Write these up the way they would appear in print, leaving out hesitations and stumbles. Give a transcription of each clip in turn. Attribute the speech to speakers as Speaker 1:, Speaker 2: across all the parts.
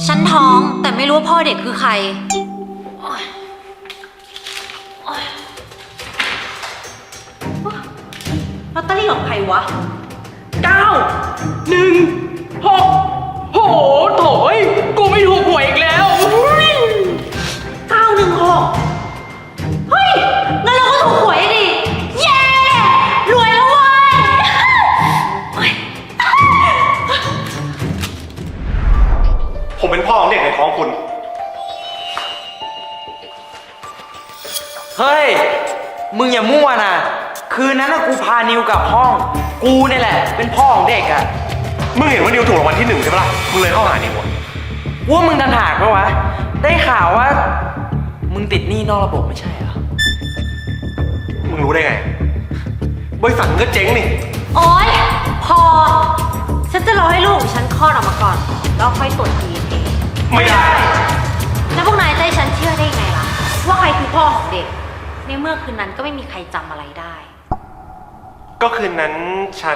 Speaker 1: ฉันท้องแต่ไม่รู้ว่าพ่อเด็กคือใครลอตเตอรี่ของใครวะ
Speaker 2: 916โหโถยกูไม่ถูกหวยอีกแล้ว
Speaker 1: 916เฮ้ยงั้นเราก็ถูกหวยดิเย้รวยแล้วเว้ย
Speaker 3: ผมเป็นพ่อของเด็กในท้องคุณ
Speaker 2: เฮ้ยมึงอย่ามั่วนะคืนนั้นกูพานิวกลับห้องกูเนี่ยแหละเป็นพ่อของเด็กอ่ะ
Speaker 3: มึงเห็นว่านิวถูกรางวัลที่1ใช่ปะล่ะมึงเลยเข้าหานิว
Speaker 2: ว่ามึงดันหากปะวะได้ข่าวว่ามึงติดหนี้นอกระบบไม่ใช่เหรอ
Speaker 3: มึงรู้ได้ไงบริษัทมึงก็เจ๊งนี่
Speaker 1: โอ๊ยพอฉันจะรอให้ลูกของฉันคลอดออกมาก่อนแล้วค่อยตรวจ DNA
Speaker 3: ไม่ได้
Speaker 1: แล้วพวกนายจะให้ฉันเชื่อได้ไงล่ะว่าใครคือพ่อของเด็กในเมื่อคืนนั้นก็ไม่มีใครจำอะไรได้
Speaker 3: ก็คืนนั้นฉัน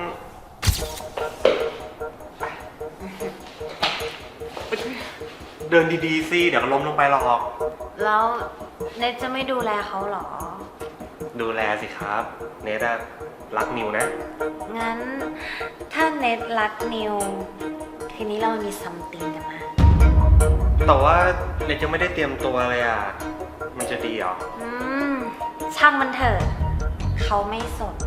Speaker 3: เดินดีๆสิเดี๋ยวก็ล้มลงไปหรอก
Speaker 1: แล้วเนทจะไม่ดูแลเขาหรอ
Speaker 3: ดูแลสิครับเนทรักนิวนะ
Speaker 1: งั้นถ้าเนทรักนิวทีนี้เรามีซัมติงกันนะ
Speaker 3: แต่ว่าเนทยังไม่ได้เตรียมตัวเลยอ่ะมันจะดีเหรอ
Speaker 1: ช่างมันเถอะเขาไม่สน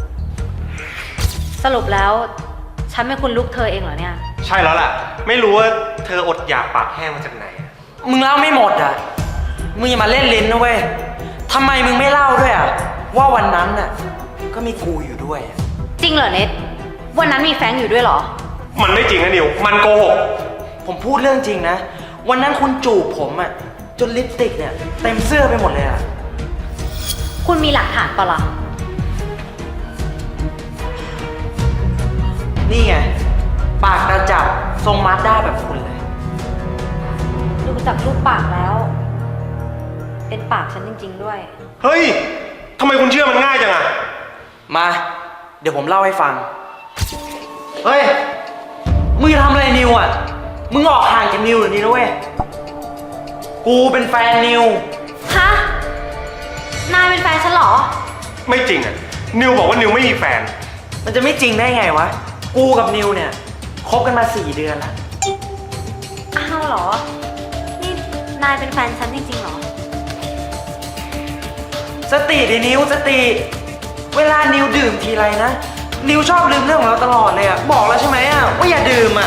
Speaker 1: สรุปแล้วฉันเป็นคุณลูกเธอเองเหรอเนี่ย
Speaker 3: ใช่แล้วล่ะไม่รู้ว่าเธออดอยากปากแห้งมาจากไหน
Speaker 2: มึงเล่าไม่หมดอ่ะมึงอย่ามาเล่นลิ้นนะเว้ยทำไมมึงไม่เล่าด้วยอ่ะว่าวันนั้นน่ะก็มีกูอยู่ด้วย
Speaker 1: จริงเหรอเน็ตวันนั้นมีแฟรงค์อยู่ด้วยเหรอ
Speaker 3: มันไม่จริงนะนิวมันโกหก
Speaker 2: ผมพูดเรื่องจริงนะวันนั้นคุณจูบผมอ่ะจนลิปสติกเนี่ยเต็มเสื้อไปหมดเลยอ่ะ
Speaker 1: คุณมีหลักฐานปะล่ะ
Speaker 2: นี่ไงปากกระจับทรงมาสด้าแบบคุณเลย
Speaker 1: ดูจากรูปปากแล้วเป็นปากฉันจริงๆด้วย
Speaker 3: เฮ้ยทำไมคุณเชื่อมันง่ายจังอะ
Speaker 2: มาเดี๋ยวผมเล่าให้ฟังเฮ้ยมึงจะทำอะไรนิวอ่ะมึงออกห่างจากนิวหรือนี่นะเว้ยกูเป็นแฟนนิว
Speaker 1: ฮะนายเป็นแฟนฉันเหรอ
Speaker 3: ไม่จริงอะนิวบอกว่านิวไม่มีแฟน
Speaker 2: มันจะไม่จริงได้ไงวะกูกับนิวเนี่ยคบกันมา4 เดือนแล้ว
Speaker 1: อ้าวเหรอนี่นายเป็นแฟนฉันจริงๆเหรอ
Speaker 2: สติดินิวสติเวลานิวดื่มทีไรนะนิวชอบลืมเรื่องของเราตลอดเลยอะบอกแล้วใช่ไหมอะว่าอย่าดื่มอะ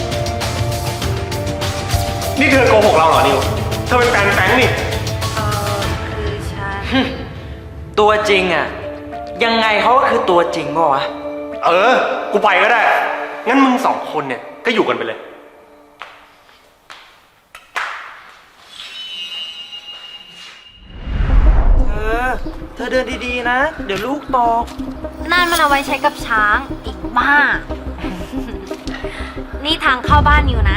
Speaker 3: นี่เธอโกหกเราเหรอนิวเธอเป็นแฟนแฟรงค์นี่
Speaker 1: คือฉัน
Speaker 2: ตัวจริงอะยังไงเขาก็คือตัวจริงป่ะวะ
Speaker 3: กูไปก็ได้งั้นมึง2 คนเนี่ยก็อยู่กันไปเลย
Speaker 2: เธอเดินดีๆนะเดี๋ยวลูกตก
Speaker 1: นั่นมันเอาไว้ใช้กับช้างอีกบ้านี่ทางเข้าบ้านอยู่นะ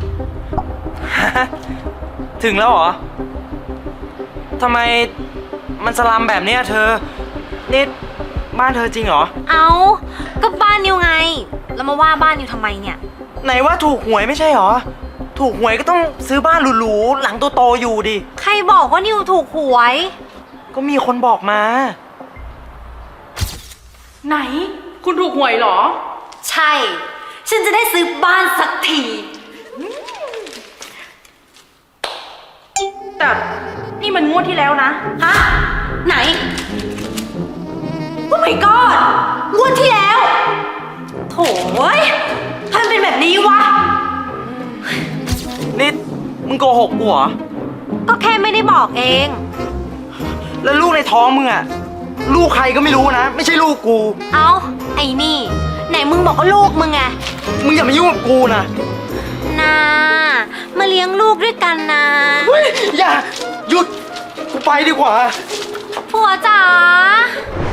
Speaker 2: ถึงแล้วเหรอทำไมมันสลัมแบบนี้เธอนี่บ้านเธอจริงเหรอ
Speaker 1: เอาก็บ้านนิวไงแล้วมาว่าบ้านนิวทำไมเนี่ย
Speaker 2: ไหนว่าถูกหวยไม่ใช่เหรอถูกหวยก็ต้องซื้อบ้านหรูๆหลังโตๆอยู่ดิ
Speaker 1: ใครบอกว่านิวถูกหวย
Speaker 2: ก็มีคนบอกมา
Speaker 4: ไหนคุณถูกหวยเหรอ
Speaker 1: ใช่ฉันจะได้ซื้อบ้านสักที
Speaker 4: แต่นี่มันงวดที่แล้วนะ
Speaker 1: ฮะไหนโอ้ my god งวดที่แล้วโถ่ทำไมเป็นแบบนี้วะ
Speaker 2: นี่มึงโกหกกูเหรอ
Speaker 1: ก็แค่ไม่ได้บอกเอง
Speaker 2: แล้วลูกในท้องมึงอะลูกใครก็ไม่รู้นะไม่ใช่ลูกกู
Speaker 1: เอาไอ้นี่ไหนมึงบอกว่าลูกมึงไง
Speaker 2: มึงอย่ามายุ่งกับกูนะ
Speaker 1: มาเลี้ยงลูกด้วยกันนะ
Speaker 2: เฮ้ยอย่าหยุดกูไปดีกว่า
Speaker 1: ผัวจ๋า